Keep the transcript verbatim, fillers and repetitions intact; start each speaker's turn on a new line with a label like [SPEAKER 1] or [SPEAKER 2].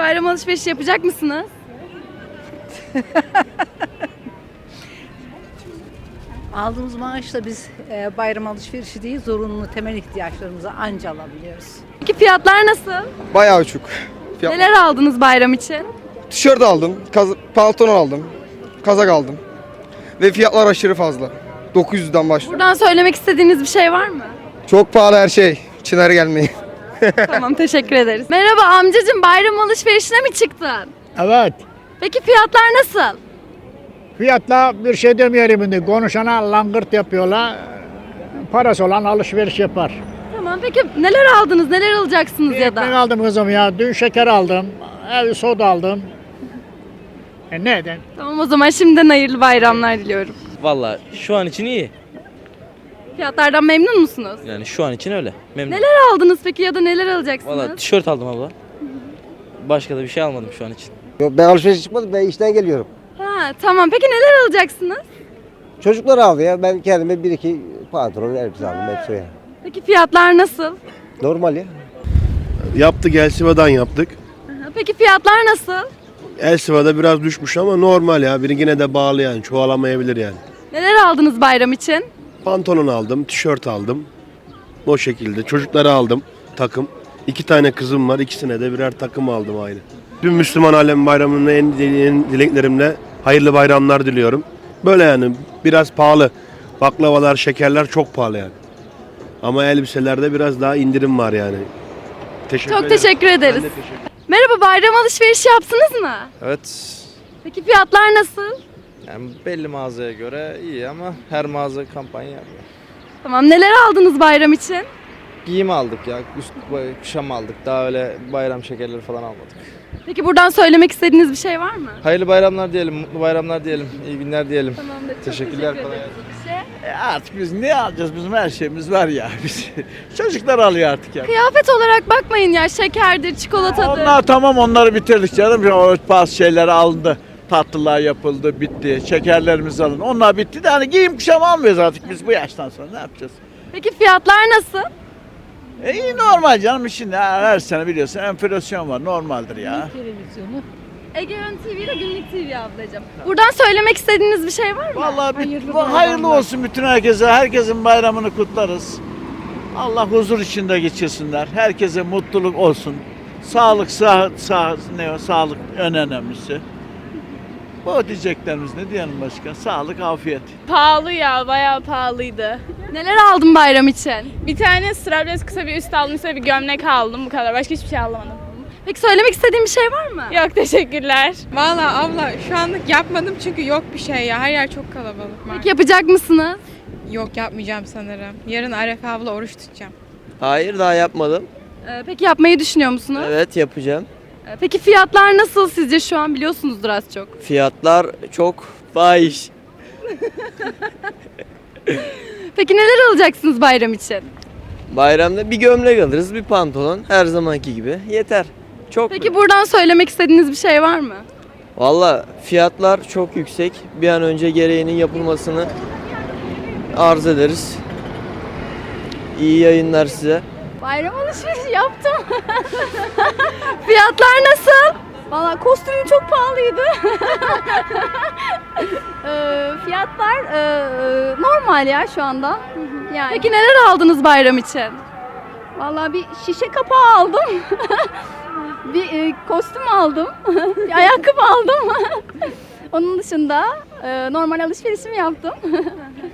[SPEAKER 1] bayram alışverişi yapacak mısınız?
[SPEAKER 2] Aldığımız maaşla biz e, bayram alışverişi değil, zorunlu temel ihtiyaçlarımızı anca alabiliyoruz.
[SPEAKER 1] Peki fiyatlar nasıl?
[SPEAKER 3] Bayağı uçuk. Fiyat-
[SPEAKER 1] Neler aldınız bayram için?
[SPEAKER 3] Tişört aldım, kaz- pantolon aldım, kazak aldım. Ve fiyatlar aşırı fazla. dokuz yüzden başlıyor.
[SPEAKER 1] Buradan söylemek istediğiniz bir şey var mı?
[SPEAKER 3] Çok pahalı her şey. Çınar'a gelmeyin.
[SPEAKER 1] Tamam, teşekkür ederiz. Merhaba amcacığım, bayram alışverişine mi çıktın?
[SPEAKER 4] Evet.
[SPEAKER 1] Peki fiyatlar nasıl?
[SPEAKER 4] Fiyatla bir şey demeyelim şimdi. Konuşana langırt yapıyorlar. Parası olan alışveriş yapar.
[SPEAKER 1] Tamam, peki neler aldınız, neler alacaksınız ya
[SPEAKER 4] Ekmek
[SPEAKER 1] da?
[SPEAKER 4] aldım kızım ya. Dün şeker aldım. Ev soda aldım. E neden?
[SPEAKER 1] Tamam, o zaman şimdiden hayırlı bayramlar diliyorum.
[SPEAKER 5] Valla şu an için iyi.
[SPEAKER 1] Fiyatlardan memnun musunuz?
[SPEAKER 5] Yani şu an için öyle. Memnun.
[SPEAKER 1] Neler aldınız peki ya da neler alacaksınız?
[SPEAKER 5] Valla tişört aldım abla. Başka da bir şey almadım şu an için.
[SPEAKER 6] Yok, ben alışveriş çıkmadım, ben işten geliyorum.
[SPEAKER 1] Ha, tamam, peki neler alacaksınız?
[SPEAKER 6] Çocuklar aldı ya, ben kendime bir iki pantolon, elbise aldım hepsi ya.
[SPEAKER 1] Peki fiyatlar nasıl?
[SPEAKER 6] Normal ya.
[SPEAKER 7] Yaptık, Elsiva'dan yaptık.
[SPEAKER 1] Aha, peki fiyatlar nasıl?
[SPEAKER 7] Elsiva'da biraz düşmüş ama normal ya. Biri yine de bağlı yani. Çoğalamayabilir yani.
[SPEAKER 1] Neler aldınız bayram için?
[SPEAKER 7] Pantolon aldım, tişört aldım. O şekilde. Çocuklara aldım takım. İki tane kızım var. İkisine de birer takım aldım aynı. Tüm Müslüman alem bayramının en, en dileklerimle hayırlı bayramlar diliyorum. Böyle yani biraz pahalı. Baklavalar, şekerler çok pahalı yani. Ama elbiselerde biraz daha indirim var yani. Teşekkür
[SPEAKER 1] Çok
[SPEAKER 7] ederim.
[SPEAKER 1] teşekkür ederiz.
[SPEAKER 7] Ben de teşekkür ederim.
[SPEAKER 1] Merhaba, bayram alışverişi yaptınız mı?
[SPEAKER 8] Evet.
[SPEAKER 1] Peki fiyatlar nasıl?
[SPEAKER 8] Yani belli mağazaya göre iyi ama her mağaza kampanya yapıyor.
[SPEAKER 1] Tamam, neler aldınız bayram için?
[SPEAKER 8] Giyim aldık ya, üst kuşam aldık. Daha öyle bayram şekerleri falan almadık.
[SPEAKER 1] Peki buradan söylemek istediğiniz bir şey var mı?
[SPEAKER 8] Hayırlı bayramlar diyelim, mutlu bayramlar diyelim, iyi günler diyelim.
[SPEAKER 1] Tamamdır. Çok
[SPEAKER 8] Teşekkürler,
[SPEAKER 1] teşekkür
[SPEAKER 8] kolay
[SPEAKER 1] ederiz. Bir şey.
[SPEAKER 9] E artık biz ne alacağız? Bizim her şeyimiz var ya. Biz çocuklar alıyor artık ya.
[SPEAKER 1] Kıyafet olarak bakmayın ya, şekerdir, çikolatadır.
[SPEAKER 9] Onlar tamam, onları bitirdik canım. O bazı şeyler alındı. Tatlılar yapıldı, bitti. Şekerlerimiz alındı. Onlar bitti de hani giyim kuşam almıyoruz artık biz bu yaştan sonra. Ne yapacağız?
[SPEAKER 1] Peki fiyatlar nasıl?
[SPEAKER 9] E iyi, normal canım. Şimdi her, her sene biliyorsun enflasyon var. Normaldir ya.
[SPEAKER 1] Ege Yön T V ile Günlük T V ablacığım. Buradan söylemek istediğiniz bir şey var mı?
[SPEAKER 9] Vallahi hayırlı, bu, hayırlı olsun bütün herkese. Herkesin bayramını kutlarız. Allah huzur içinde geçirsinler. Herkese mutluluk olsun. Sağlık, sağ, sağ, ne o, sağlık en önemlisi. Bu diyeceklerimiz, ne diyelim başka? Sağlık, afiyet.
[SPEAKER 10] Pahalı ya, bayağı pahalıydı.
[SPEAKER 1] Neler aldın bayram için?
[SPEAKER 10] Bir tane strapless kısa bir üst aldım, üstüne bir gömlek aldım, bu kadar. Başka hiçbir şey alamadım.
[SPEAKER 1] Peki söylemek istediğin bir şey var mı?
[SPEAKER 10] Yok, teşekkürler.
[SPEAKER 11] Valla abla şu anlık yapmadım çünkü yok bir şey ya. Her yer çok kalabalık.
[SPEAKER 1] Peki yapacak mısınız?
[SPEAKER 11] Yok, yapmayacağım sanırım. Yarın Arefe abla oruç tutacağım.
[SPEAKER 5] Hayır, daha yapmadım.
[SPEAKER 1] Ee, peki yapmayı düşünüyor musunuz?
[SPEAKER 5] Evet, yapacağım.
[SPEAKER 1] Ee, peki fiyatlar nasıl sizce şu an, biliyorsunuzdur az çok.
[SPEAKER 5] Fiyatlar çok fahiş.
[SPEAKER 1] Peki neler alacaksınız bayram için?
[SPEAKER 5] Bayramda bir gömlek alırız, bir pantolon. Her zamanki gibi. Yeter. Çok.
[SPEAKER 1] Peki buradan söylemek istediğiniz bir şey var mı?
[SPEAKER 5] Valla fiyatlar çok yüksek. Bir an önce gereğinin yapılmasını arz ederiz. İyi yayınlar size.
[SPEAKER 1] Bayram alışverişi yaptım. Fiyatlar nasıl?
[SPEAKER 12] Valla kostümüm çok pahalıydı. Ee, fiyatlar e, normal ya şu anda. Yani
[SPEAKER 1] Peki neler aldınız bayram için?
[SPEAKER 12] valla bir şişe kapağı aldım. bir e, kostüm aldım. bir ayakkabı aldım. Onun dışında e, normal alışverişimi yaptım.